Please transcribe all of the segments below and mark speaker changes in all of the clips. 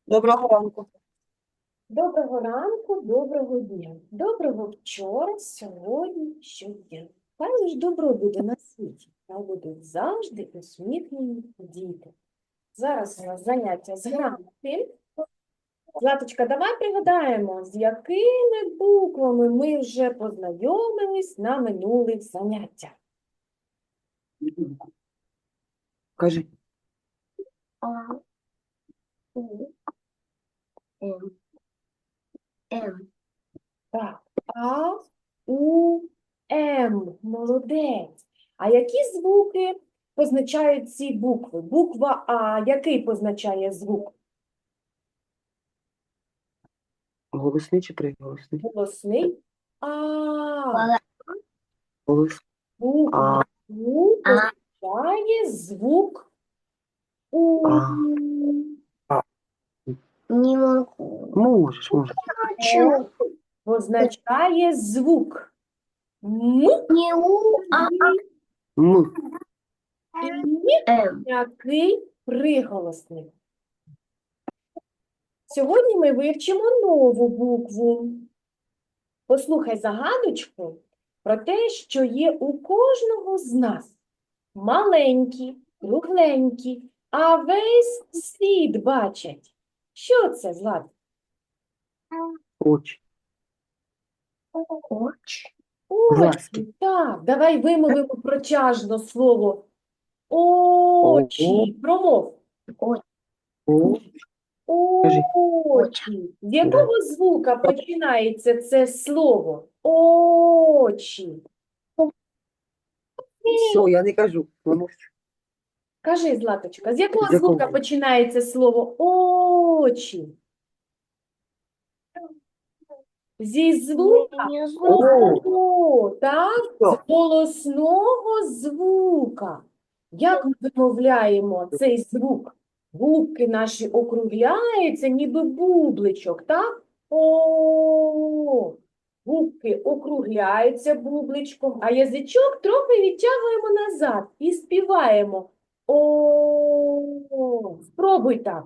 Speaker 1: Доброго ранку.
Speaker 2: Доброго ранку, доброго дня. Доброго вчора, сьогодні, щодня. Хай лиш добро буде на світі, та будуть завжди усміхнені діти. Зараз у нас заняття з грамоти. Златочка, давай пригадаємо, з якими буквами ми вже познайомились на минулих заняттях.
Speaker 1: Кажи.
Speaker 3: А, У, М, М.
Speaker 2: Так, А, У, М. Молодець. А які звуки позначають ці букви? Буква А, який позначає звук?
Speaker 1: Голосний чи приголосний?
Speaker 2: Голосний А.
Speaker 3: Бала-
Speaker 1: Голос.
Speaker 2: Буква
Speaker 1: А,
Speaker 2: У
Speaker 3: А,
Speaker 2: позначає звук У.
Speaker 1: а, а.
Speaker 3: не могу.
Speaker 1: Можеш.
Speaker 2: Е позначає звук М
Speaker 3: Не У, а
Speaker 1: М.
Speaker 2: і
Speaker 3: М.
Speaker 2: який приголосний. Сьогодні ми вивчимо нову букву. Послухай загадочку про те, що є у кожного з нас. Маленькі, кругленькі, а весь світ бачать. Що це, Злат?
Speaker 1: Очі.
Speaker 3: Оч.
Speaker 1: Глазки.
Speaker 2: Очі. Так, давай вимовимо протяжно слово
Speaker 1: О,
Speaker 2: очі. Промов.
Speaker 3: Оч.
Speaker 1: Кажи.
Speaker 2: Очі. З
Speaker 1: Да.
Speaker 2: якого звука починається це слово? Очі.
Speaker 1: Все, я не кажу. Помовчу.
Speaker 2: Кажи, Златочка, з якого
Speaker 1: З якого?
Speaker 2: звука починається слово очі? Зі звука
Speaker 3: Не знаю.
Speaker 2: О, так? З
Speaker 1: Що?
Speaker 2: голосного звука. Як ми вимовляємо цей звук? Губки наші округляються, ніби бубличок, так? О, губки округляються бубличком, а язичок трохи відтягуємо назад і співаємо. О, спробуй так.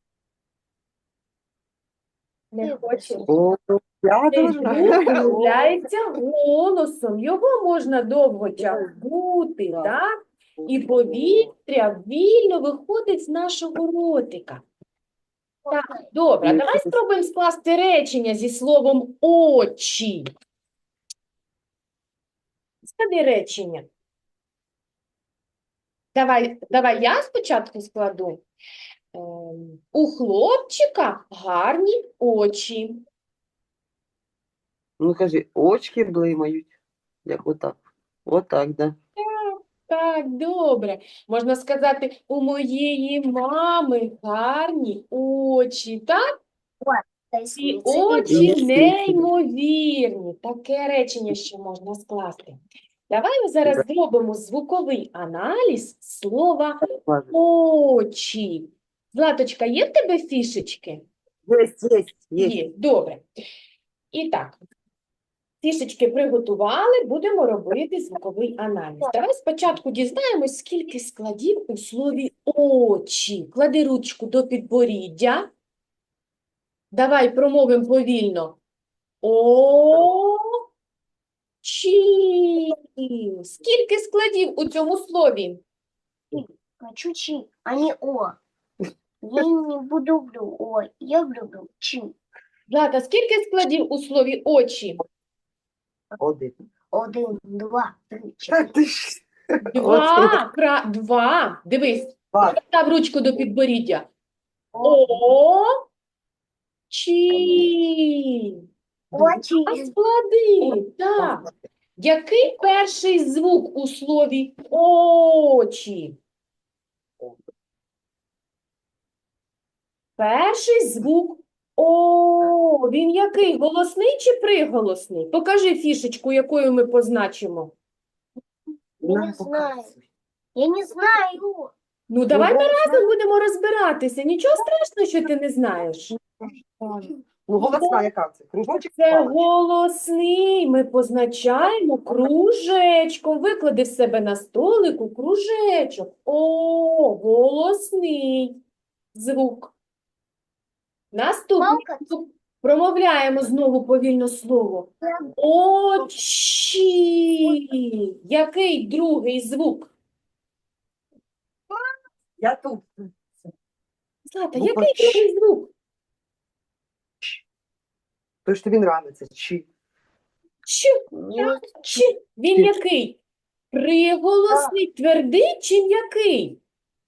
Speaker 2: Не
Speaker 3: Ти
Speaker 2: хочеш?
Speaker 1: О, я
Speaker 2: Цей
Speaker 1: должна.
Speaker 2: звук вимовляється голосом. Його можна довго тягнути,
Speaker 1: Так.
Speaker 2: так? І повітря вільно виходить з нашого ротика. Так, добре. А давай спробуємо скласти речення зі словом очі. Склади речення. Давай я спочатку складу. У хлопчика гарні очі.
Speaker 1: Ну кажи, очки блимають. Як отак. Отак, да.
Speaker 2: Так, добре. Можна сказати, у моєї мами гарні очі, так? І очі неймовірні. Таке речення ще можна скласти. Давай ми зараз зробимо звуковий аналіз слова очі. Златочка, є в тебе фішечки?
Speaker 1: Є.
Speaker 2: Є, добре. І так, фішечки приготували, будемо робити звуковий аналіз. Давай спочатку дізнаємось, скільки складів у слові очі. Клади ручку до підборіддя. Давай промовимо повільно. Очі. Скільки складів у цьому слові?
Speaker 3: Чучи, а не О. Я не буду люблю О. Я люблю Чи.
Speaker 2: Злата, скільки складів у слові очі?
Speaker 1: Один.
Speaker 3: 1, 2, 3,
Speaker 1: Та
Speaker 3: 4.
Speaker 1: ти ж.
Speaker 2: Два. Два. Дивись.
Speaker 1: Два.
Speaker 2: Став ручку до підборіддя. Очі.
Speaker 3: Очі.
Speaker 2: А склади. Так. Який перший звук у слові очі? Перший звук О. Він який? Голосний чи приголосний? Покажи фішечку, якою ми позначимо.
Speaker 3: Я не знаю. Я не знаю.
Speaker 2: Ну, давай ми разом будемо розбиратися. Нічого страшного, що ти не знаєш.
Speaker 1: Ну, голосна яка це? Кружочок?
Speaker 2: Це
Speaker 1: Паличка?
Speaker 2: голосний. Ми позначаємо кружечком. Виклади в себе на столику кружечок. О, голосний звук. Наступне.
Speaker 3: Палка.
Speaker 2: Промовляємо знову повільно слово. Очі. Який другий звук?
Speaker 1: Я тут.
Speaker 2: Злата,
Speaker 1: Буква
Speaker 2: який
Speaker 1: Ч.
Speaker 2: другий звук?
Speaker 1: То, що тобі нравиться. Чи.
Speaker 2: Ч.
Speaker 3: Нет.
Speaker 2: Ч. Він який? Приголосний, твердий чи м'який?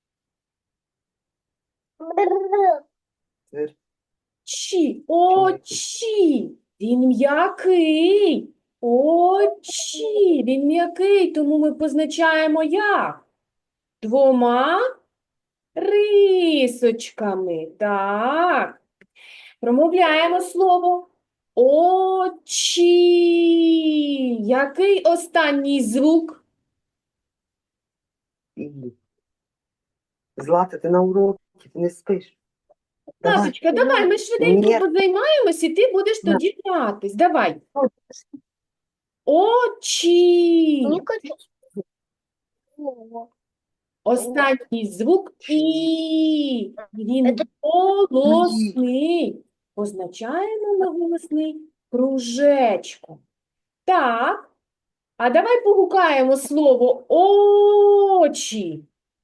Speaker 1: Твер.
Speaker 2: Чі. Очі. Він м'який. Очі. Він м'який, тому ми позначаємо як? Двома рисочками. Так. Промовляємо слово очі. Який останній звук?
Speaker 1: І. Злата, ти на уроці, ти не спиш. Давай.
Speaker 2: Наточка, давай, ми швиденько
Speaker 1: Ні.
Speaker 2: позаймаємось, і ти будеш
Speaker 1: На.
Speaker 2: тоді гратись. Давай. Очі.
Speaker 3: Не хочу.
Speaker 2: Останній звук І. Він
Speaker 3: Це-
Speaker 2: голосний. Позначаємо на голосний кружечком. Так. А давай погукаємо слово очі.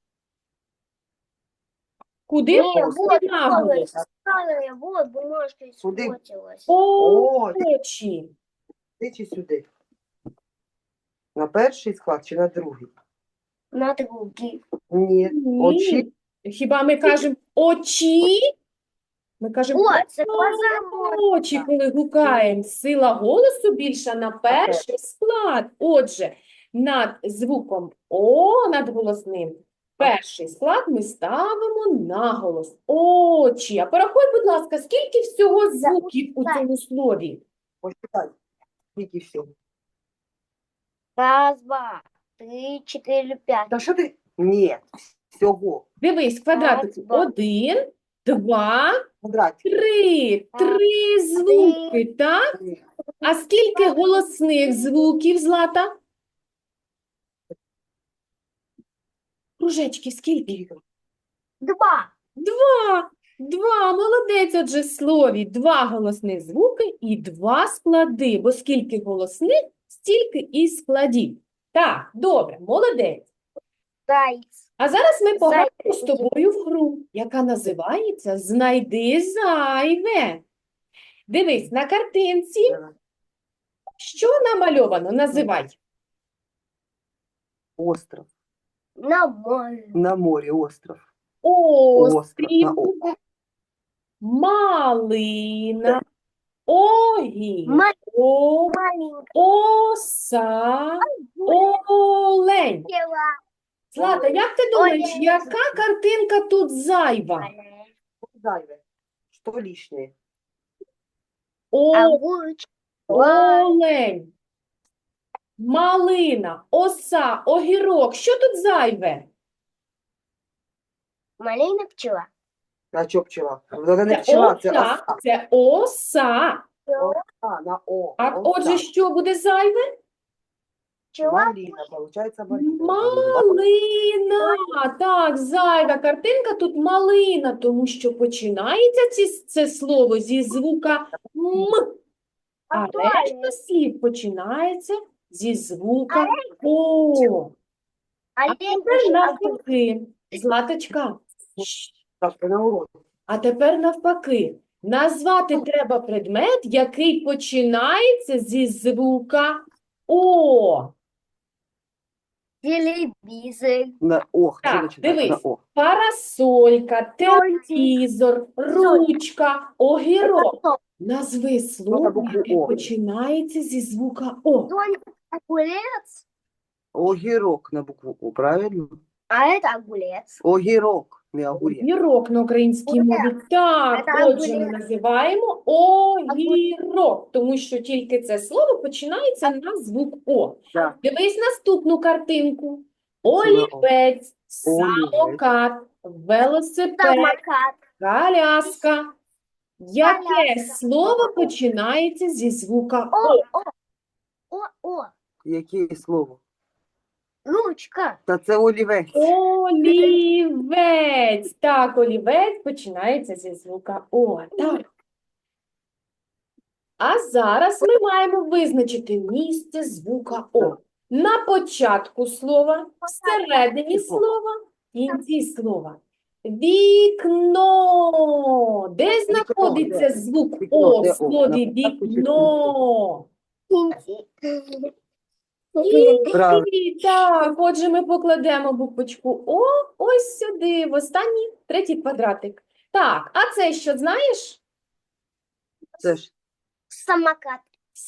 Speaker 2: Куди
Speaker 3: Не,
Speaker 2: просто
Speaker 3: вот,
Speaker 2: наголос?
Speaker 3: вот, бумажка
Speaker 1: Куди?
Speaker 3: испортилась.
Speaker 2: Очі.
Speaker 1: Ти чи сюди? На перший склад чи на другий?
Speaker 3: На другий.
Speaker 1: Ні. Очі.
Speaker 2: Хіба ми кажемо очі? Ми кажемо
Speaker 3: О, це позамок.
Speaker 2: очі, коли гукаємо. Сила голосу більша на перший склад. Отже, над звуком О, над голосним, перший склад ми ставимо наголос. Очі. А порахуй, будь ласка, скільки всього звуків у цьому слові?
Speaker 1: Посчитай. Скільки всього?
Speaker 3: Раз, два, три, четыре, пять.
Speaker 1: Та що ти? Ні. Всього.
Speaker 2: Дивись, квадратик.
Speaker 3: Раз, два.
Speaker 2: 1, 2,
Speaker 1: Квадратик.
Speaker 2: 3. 3 звуки, так? А скільки голосних звуків, Злата? Кружечки, скільки?
Speaker 3: Два.
Speaker 2: Два. Молодець, отже, в слові. 2 голосних звуки і 2 склади. Бо скільки голосних, стільки і складів. Так, добре, молодець.
Speaker 3: Зайц.
Speaker 2: А зараз ми пограємо з
Speaker 3: Зайчики.
Speaker 2: тобою в гру, яка називається «Знайди зайве». Дивись, на картинці, що намальовано? Називай.
Speaker 1: Остров.
Speaker 3: На море.
Speaker 1: На морі остров.
Speaker 2: Острів,
Speaker 1: На
Speaker 2: малина, огірок,
Speaker 3: Маленькая.
Speaker 2: оса, олень. Злата, як ти думаєш,
Speaker 3: Олень.
Speaker 2: яка картинка тут зайва?
Speaker 1: Зайве. Що лишнє?
Speaker 3: Огурчик.
Speaker 2: Олень, малина, оса, огірок. Що тут зайве?
Speaker 3: Малина пчела.
Speaker 1: А що пчела? Вона не
Speaker 2: Це
Speaker 1: пчела, це
Speaker 2: оса.
Speaker 1: оса.
Speaker 2: Це оса.
Speaker 1: А, на О.
Speaker 2: А
Speaker 1: Оса.
Speaker 2: отже, що буде зайве?
Speaker 3: Пчела.
Speaker 1: Малина, получається малина.
Speaker 2: Малина. Так, зайва картинка тут малина, тому що починається це слово зі звука М, а решта слів починається зі звука О. А тепер навпаки, Златочка,
Speaker 1: Так, ти на уроці.
Speaker 2: а тепер навпаки. Назвати треба предмет, який починається зі звука О.
Speaker 3: Телевизор.
Speaker 1: На О. Що
Speaker 2: Так,
Speaker 1: починається?
Speaker 2: дивись.
Speaker 1: На О.
Speaker 2: Парасолька, телевізор, ручка, огірок. Назви слово,
Speaker 1: букву
Speaker 2: яке
Speaker 1: О?
Speaker 2: починається зі звука О.
Speaker 3: Огурец.
Speaker 1: Огірок на букву О, правильно?
Speaker 3: А это огурец.
Speaker 1: Огірок, не огурець.
Speaker 2: Огірок на українській мові. Так,
Speaker 3: Це
Speaker 2: отже, ми
Speaker 3: огурець.
Speaker 2: називаємо огірок, тому що тільки це слово починається на звук О.
Speaker 1: Так.
Speaker 2: Дивись наступну картинку.
Speaker 1: Це на О.
Speaker 2: Олівець, самокат, велосипед,
Speaker 3: Самокат.
Speaker 2: коляска. Яке
Speaker 3: Коляска.
Speaker 2: слово починається зі звука
Speaker 3: О,
Speaker 2: О?
Speaker 3: о. О, о.
Speaker 1: Яке слово?
Speaker 3: Ручка.
Speaker 1: Та це олівець.
Speaker 2: Олівець. Так, олівець починається зі звука О. Так. А зараз ми маємо визначити місце звука О. На початку слова, всередині слова, в кінці слова. Вікно. Де знаходиться звук
Speaker 1: Вікно,
Speaker 2: О в
Speaker 1: де О?
Speaker 2: слові
Speaker 1: На початку чи в кінці?
Speaker 2: вікно?
Speaker 1: Правильно.
Speaker 2: І так, отже, ми покладемо буквочку О ось сюди, в останній, третій квадратик. Так, а це що, знаєш?
Speaker 1: Це ж
Speaker 3: Самокат.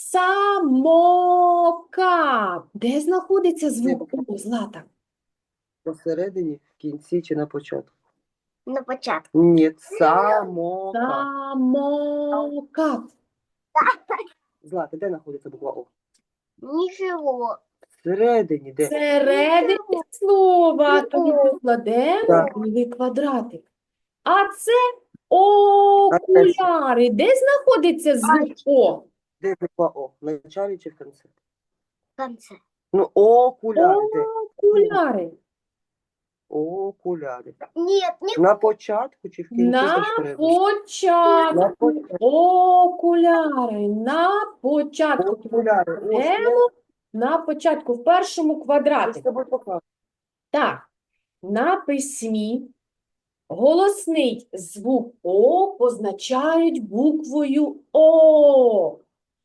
Speaker 2: Самокат. Де знаходиться звук О, Злата?
Speaker 1: посередині, в кінці чи на початку?
Speaker 3: На початку.
Speaker 1: Ні, самокат.
Speaker 2: Самокат.
Speaker 1: Злата, де знаходиться буква О?
Speaker 3: Ничего.
Speaker 1: Всередині, де?
Speaker 2: Всередині слова. Тому покладемо
Speaker 1: Так.
Speaker 2: новий квадратик. А це окуляри. Де знаходиться звук О?
Speaker 1: Де буква О? В началі чи в кінці?
Speaker 3: В конце.
Speaker 1: Ну, окуляри, де?
Speaker 2: Окуляри.
Speaker 1: Окуляри.
Speaker 3: Нет, не
Speaker 1: На початку чи в кінці?
Speaker 2: На
Speaker 1: Це ж треба.
Speaker 2: початку.
Speaker 1: На початку.
Speaker 2: Окуляри. На початку.
Speaker 1: Окуляри. Ось є.
Speaker 2: Беремо на початку, в першому
Speaker 1: Я з
Speaker 2: квадраті.
Speaker 1: тобою покажу.
Speaker 2: Так, на письмі голосний звук О позначають буквою О.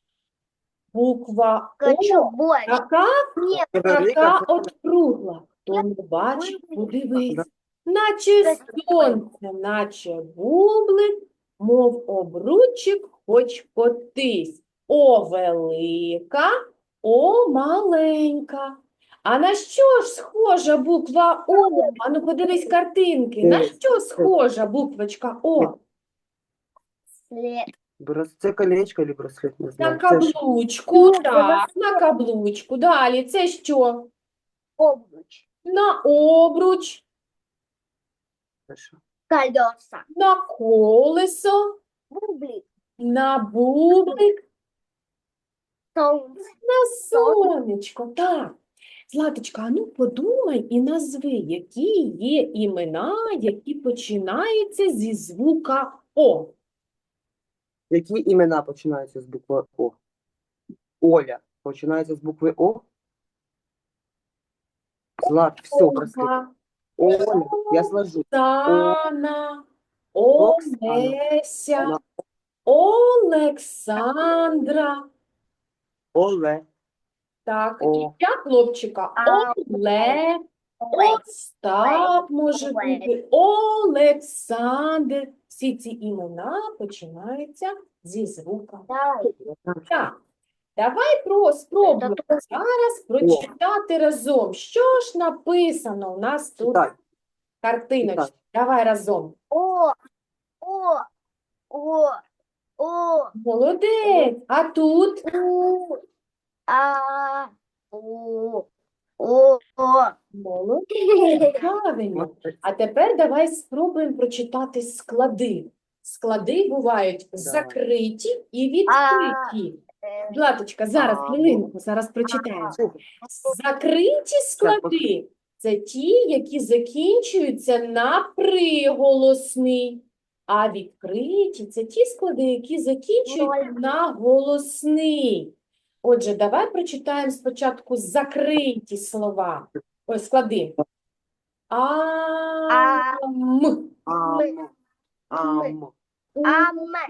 Speaker 2: Буква
Speaker 3: хочу
Speaker 2: О
Speaker 3: больше.
Speaker 2: така,
Speaker 3: Нет,
Speaker 1: Велика,
Speaker 2: така округла. Хто не бачить, подивись.
Speaker 1: Да.
Speaker 2: Наче сонце, наче бублик, мов обручик, хоч котись. О велика, о маленька. А на що ж схожа буква О? Ану, подивись картинки. На що схожа буквочка О?
Speaker 3: след.
Speaker 1: Це колечко чи браслет, не
Speaker 2: На
Speaker 1: знаю. Це ж
Speaker 2: каблучку, так, на каблучку. Далі, це що?
Speaker 3: Обруч.
Speaker 2: На обруч,
Speaker 1: це що?
Speaker 3: Колеса.
Speaker 2: на колесо,
Speaker 3: Бублик.
Speaker 2: на бублик,
Speaker 3: Солнце.
Speaker 2: на сонечко. Так. Златочка, а ну подумай і назви, які є імена, які починаються зі звука О.
Speaker 1: Які імена починаються з букви О? Оля починається з букви О? Злат, все, браслет.
Speaker 2: Ольга,
Speaker 1: Оля, я сложу.
Speaker 2: Оксана,
Speaker 1: Оксана.
Speaker 2: Олеся, Олександра.
Speaker 1: Оле.
Speaker 2: Так,
Speaker 1: О.
Speaker 2: ім'я хлопчика Олег, Остап може бути, Олександр. Всі ці імена починаються зі звука.
Speaker 3: Давай.
Speaker 2: Так, давай спробуємо зараз прочитати разом. Що ж написано у нас тут
Speaker 1: Читай.
Speaker 2: картиночка?
Speaker 1: Читай.
Speaker 2: Давай разом.
Speaker 3: О. О.
Speaker 2: Молодець. А тут?
Speaker 3: У. А. О.
Speaker 2: Молодець. Правильно. А тепер давай спробуємо прочитати склади. Склади бувають закриті і відкриті. Златочка, зараз, хвилинку, зараз прочитаємо.
Speaker 1: Слухай,
Speaker 2: Закриті склади – це ті, які закінчуються на приголосний. А відкриті – це ті склади, які закінчуються на голосний. Отже, давай прочитаємо спочатку закриті слова. Ой, склади. Ам.
Speaker 1: Ам. Ам.
Speaker 3: Аме.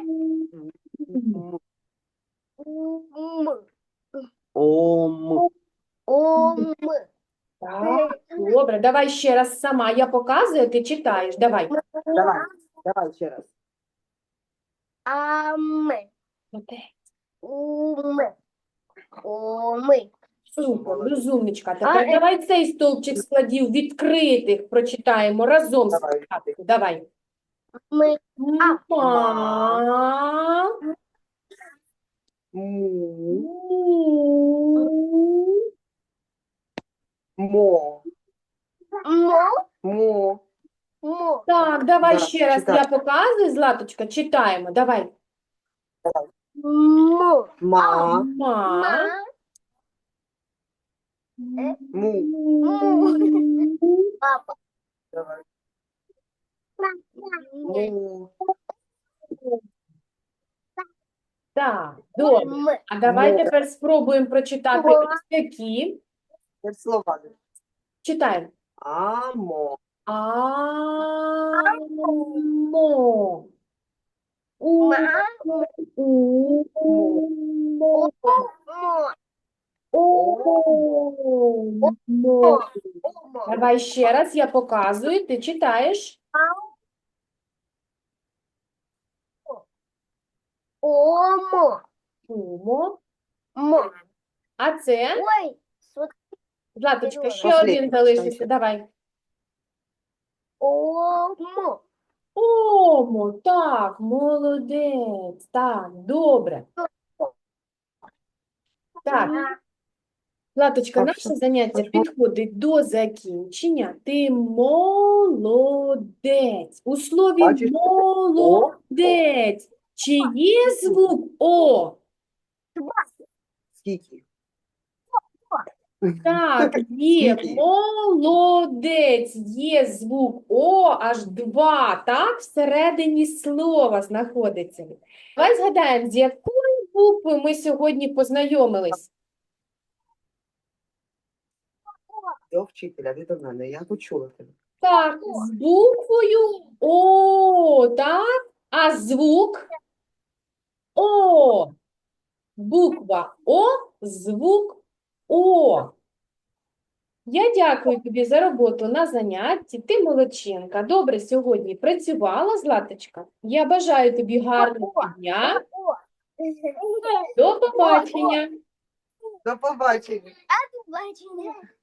Speaker 1: Ом.
Speaker 3: Ом.
Speaker 2: Так, добре, давай ще раз сама. Я показую, ти читаєш. Давай.
Speaker 1: Давай ще раз.
Speaker 3: Аме.
Speaker 2: Молодець.
Speaker 3: Уме. Оми.
Speaker 2: Супер,
Speaker 1: Молодець.
Speaker 2: розумничка. Тепер давай цей стовпчик складів відкритих прочитаємо разом
Speaker 1: Давай.
Speaker 2: спочатку. Давай.
Speaker 3: Ми.
Speaker 2: Ма.
Speaker 1: Му.
Speaker 2: Му.
Speaker 1: Мо.
Speaker 3: Мо.
Speaker 1: Мо.
Speaker 3: Мо.
Speaker 2: Так, давай
Speaker 1: Да,
Speaker 2: ще раз.
Speaker 1: читай.
Speaker 2: Я показую, Златочка, читаємо. Давай.
Speaker 3: Мо.
Speaker 1: Ма.
Speaker 2: Ма.
Speaker 1: Му.
Speaker 3: Папа.
Speaker 1: Давай.
Speaker 3: М.
Speaker 1: Му.
Speaker 2: Так, добре.
Speaker 3: М.
Speaker 2: А давай
Speaker 1: Мо.
Speaker 2: тепер спробуємо прочитати
Speaker 3: Мо.
Speaker 2: ось такі.
Speaker 1: Це слова.
Speaker 2: Читаємо.
Speaker 1: Амо.
Speaker 2: Амо. У.
Speaker 3: Мама.
Speaker 2: У. Мо.
Speaker 3: Омо.
Speaker 2: О. Мо.
Speaker 3: Омо.
Speaker 2: Давай ще раз, я показую, ти читаєш.
Speaker 3: Омо.
Speaker 2: Умо.
Speaker 3: Мо.
Speaker 2: А це,
Speaker 3: Ой. Смотри.
Speaker 2: Златочка, ще
Speaker 1: Последній,
Speaker 2: один залишився.
Speaker 1: читай.
Speaker 2: Давай.
Speaker 3: Омо.
Speaker 2: Омо, так, молодець. Так, добре. Так, Златочка,
Speaker 1: Так,
Speaker 2: наше
Speaker 1: все.
Speaker 2: заняття
Speaker 1: Можна?
Speaker 2: підходить до закінчення. Ти молодець. У слові
Speaker 1: Бачиш,
Speaker 2: молодець. Чи є звук О?
Speaker 1: Скільки?
Speaker 2: Так, є.
Speaker 1: Скільки?
Speaker 2: Молодець. Є звук О, аж два, так? Всередині слова знаходиться. Давай згадаємо, з якою буквою ми сьогодні познайомились.
Speaker 1: До вчителя, ти до мене. Я почула тебе.
Speaker 2: Так, з буквою О, так? А звук О. Буква О, звук О. Я дякую тобі за роботу на занятті. Ти молодчинка. Добре сьогодні працювала, Златочка. Я бажаю тобі гарного дня. До побачення.
Speaker 1: До побачення.
Speaker 3: Бачення.